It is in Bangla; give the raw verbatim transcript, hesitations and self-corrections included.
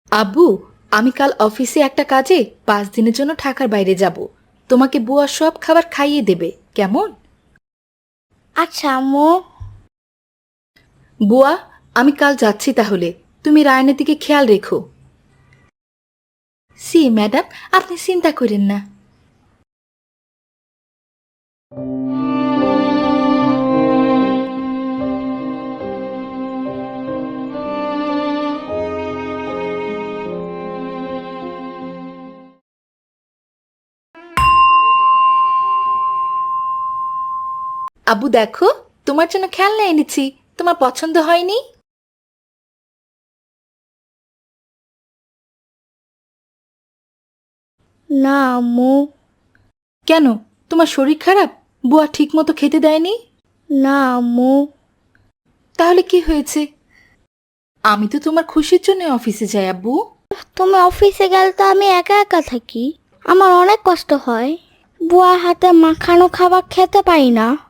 আব্বু, আমি কাল অফিসে একটা কাজে পাঁচ দিনের জন্য ঢাকার বাইরে যাব। তোমাকে বুয়া সব খাবার খাইয়ে দেবে, কেমন? আচ্ছা আম্মু। বুয়া, আমি কাল যাচ্ছি তাহলে। তুমি রায়নের দিকে খেয়াল রেখো। সি ম্যাডাম, আপনি চিন্তা করেন না। আব্বু দেখো, তোমার জন্য খেলনা এনেছি। তোমার পছন্দ হয়নি? না আম্মু। কেন, তোমার শরীর খারাপ? বুয়া ঠিক মতো খেতে দেয়নি? না আম্মু। তাহলে কি হয়েছে? আমি তো তোমার খুশির জন্য অফিসে যাই আব্বু। তুমি অফিসে গেলে তো আমি একা একা থাকি, আমার অনেক কষ্ট হয়। বুয়ার হাতে মাখানো খাবার খেতে পারি না।